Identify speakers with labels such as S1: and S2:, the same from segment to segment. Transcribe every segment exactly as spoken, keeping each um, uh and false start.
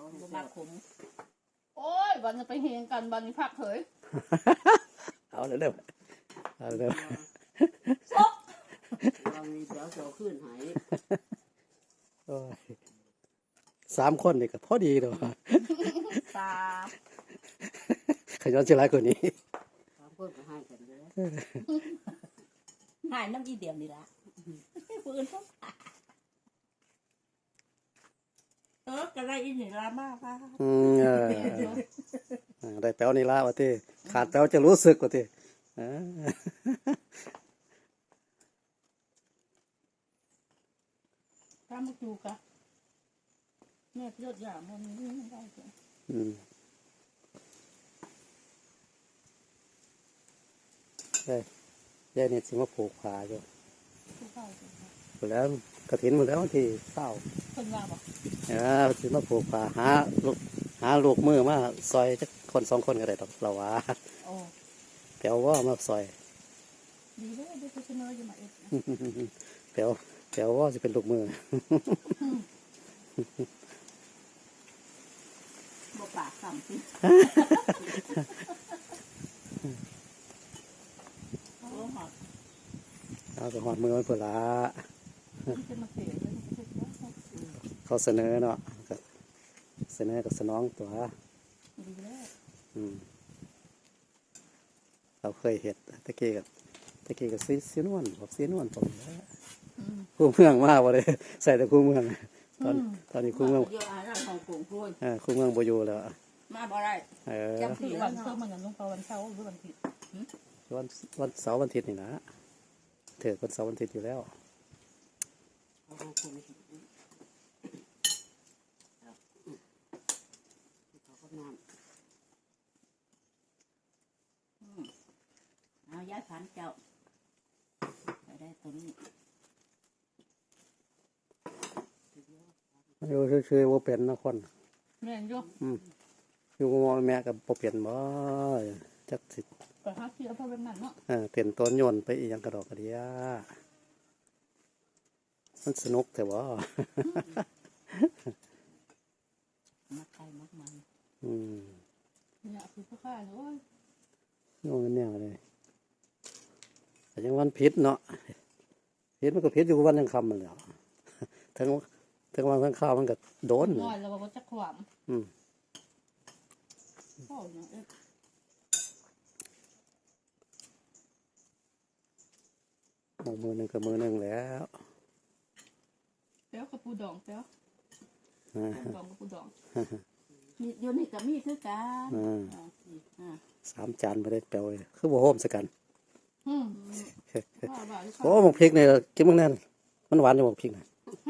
S1: บ่มากขม
S2: โอ้ยวันจะไปเฮงกันวันนี้พักเถย
S3: เอาเร็วเอาเร็ว
S1: ซกเรามีเดี๋ยวโตขึ้นหาย
S3: โอ้ยสามคนนี่ก็พอดีเลย
S2: สาม
S3: ขย้อนเชื่อไรคนนี้
S1: สามคนก็ให้กันเลย
S2: หายน้ำอีเดียวนี่ละปืนต้องเออกระไรอีนี่ละมากค่ะ
S3: อืมเออได้แป้วนี่ละวะที่ขาดแป้วจะรู้สึกวะที่
S2: ถ้ามาดูกะเนี่ยยอดยามันไม่ได้เลย
S3: อืมได้ได้เนี่ยสิมาผูกขาอยู่หมดแล้วกระถินหมดแล้วที่เศร้า
S2: คนว่าบอก
S3: เออสิมาผูกขาหาลูกหาลูกมือมาซอยจักคนสองคนก็ได้ดอกเราว่าแปลว่ามาซอย
S2: ดีเลยได้ไปเสนออยู่มาเอ็ด
S3: แปลแปลว่าจะเป็นลูกมือ
S2: บ่ปากสั่งสิ
S3: เอาไปหอดมือไว้เพื่อละเขาเสนอเนาะเสนอกับสนองตัวอืมเราเคยเห็ดตะเกียกับตะเกียกับซีซีนวลบอกซีนวลผมแล้วคู่เมืองมากเลยใส่แต่คู่เมืองตอนตอนนี้คู่เมืองอ่าคู่เมืองโบอยู่แล้ว
S2: มาบ่ได้
S3: เออ
S2: จำผิดวันเสาร์มันยังลงไปวันเสาร์หรือวันผิด
S3: วันวันเสาร์วันอาทิตย์นี่นะเถิดวันเสาร์วันอาทิตย์อยู่แล้ว
S1: เอาย้ายผันเจ้าไปได้ตัวนี้
S3: อยู่ชื่อๆว่าเป็นนะคน
S2: แม่นอยู่
S3: อืมอยู่กับแม่กับบ่เปลี่ยนบ่จักสิ
S2: ก็หาเสียเพราะเป็นนั่นเนาะ
S3: เออเปลี่ยนต้นโยนไปอีหยังกระดอกกระเดียมันสนุกแต่ว่า
S1: มักไก่มักมัน
S3: อืม
S2: เนี่ยคือพ่อข้าเลย
S3: โยนกันแนวเลยแต่ยังวันพิษเนาะพิษมันก็พิษอยู่วันยังคำมันแล้วทั้งทั้งวันทั้งข้าวมันก็โดน
S2: น้อยแล้วก็จะขวาม
S3: อืม
S2: พ่อเนี่ยเอ๊ะ
S3: มือหนึ่งกับมือหนึ่งแล้ว
S2: เปี้ยวกับปูดองเปี้ยวปูดองกับปูดอง
S1: มีอยู่นี่กับมีคือกัน
S3: สามจานไม่ได้แปลวเลยคือบ่โฮมสักกันโอ้หมกพริกเนี่ยกินมั้งแน่นมันหวานอยู่หมกพริกนะ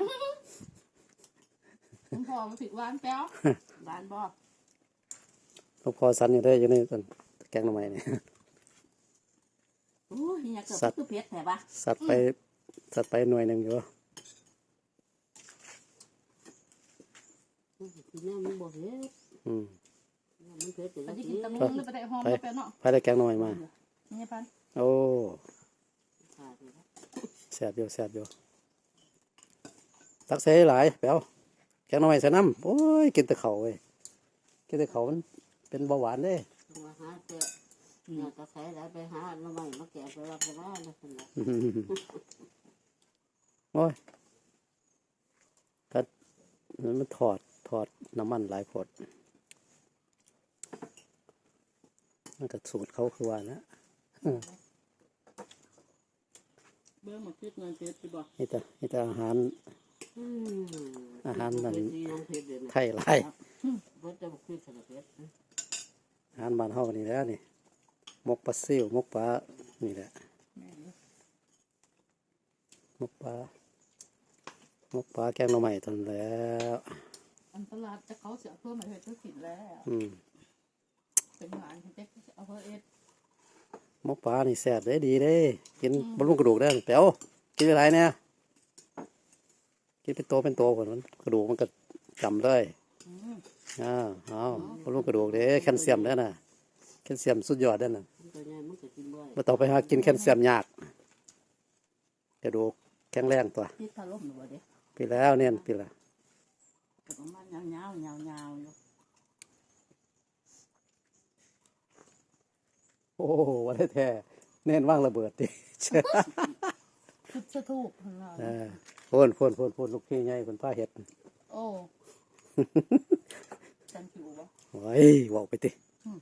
S2: คุณพ่อมาผิดหวานเปี้ยว
S1: หวานบ่
S3: หลวงพ่อสันอยู่ได้อยู่ในต้นแกงหน่อไม้เนี่ย
S1: โอ้ยอยากเกิดคือเพชรแถบะ
S3: สัตว์ไปสัตว์ไปหน่วยหนึ่งอยู่
S1: กินน้ำมันบ่เพชร
S3: อืม
S1: มันเพชรแต่
S2: ละ
S1: ที
S2: กินตะมุงแล้วไปได้หอมไปเนาะ
S3: ไปได้แกงหน่อไม้มา
S2: นี่พัน
S3: โอ้แซ่บอยู่แซ่บอยู่ตักใส่หลายแป๋วแกงหน่อไม้ใส่น้ำโอ้ยกินแต่เขาเว้ยกินแต่เขามันเป็นเบาหวานเด้
S1: มาหาเจ้าเนี่ยก็ใส่แล้วไปหาหน่อไม้มาแกะไปรับไปว่าแล้วคนละ
S3: โอ้ยถ้ามันถอดถอดน้ำมันหลายผดมันก็สูตรเขาคือว่านะ
S2: เบื่อหมดพิษเงินเพชรที่บอก
S3: นี่แต่นี่แต่อาหารอาหารนั่นไทยไรอาหารบ้านเฮานี่แล้วนี่มกปลาซิ่วมกปลานี่แหละมกปลามกปลาแกงหน่อไม้ตอนแล้ว
S2: อันตลาดจะเขาเสียเพิ่มมาเหตุธุรกิจแล้วเป็นงานที่เจ๊เอาเพิ่มเอ็ด
S3: มกปลานี่แซ่บได้ดีเด้กินบำรุงกระดูกได้แป๋วกินอะไรเนี่ยกินเป็นโตเป็นโตก่อนมันกระดูกมันก็จำเลยอ้าวอ้าวบำรุงกระดูกเด้แคลเซียมได้น่ะแคลเซียมสุดยอดได้น่ะมาต่อไปหากินแคลเซียมยากกระดูกแข็งแรงตัว
S1: พี่ถล่มหรือเปล่าเด็ก
S3: ปีแล้วเนี่ยปีละ
S1: ประมาณยาวๆยาวๆอยู่
S3: โอ้วันได้แท้เน้นว่างระเบิดดิ
S2: ชุดสะทูกของเรา
S3: เออพ่นพ่นพ่นพ่นลูกพี่ใหญ่คนป้าเห็ด
S2: โอ้จันผิววะ
S3: โอ้ยบอกไปติ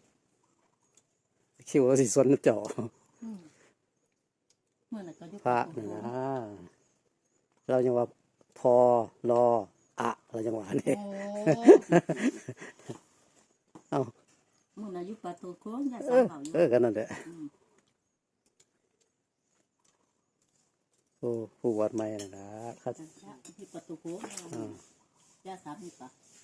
S3: คิวเราสิสนเจ่อ
S2: อืมเมื่อไหร่ก็ยุบ
S3: พระนี่นะเรายังว่าพอรออะเรายังว่านี่
S2: โอ้
S3: เอ้า
S1: มึงอายุปลาตัวโค้งได้
S3: เอ
S1: สาม
S3: อ
S1: เผาอยู่
S3: เออกันนั่นแหละ
S1: อืม
S3: โอ้ผู้วัดใหม่นะนะครับ
S1: ที่ประตูโค้ง
S3: อ่า
S1: ย่าสามนี่ปะ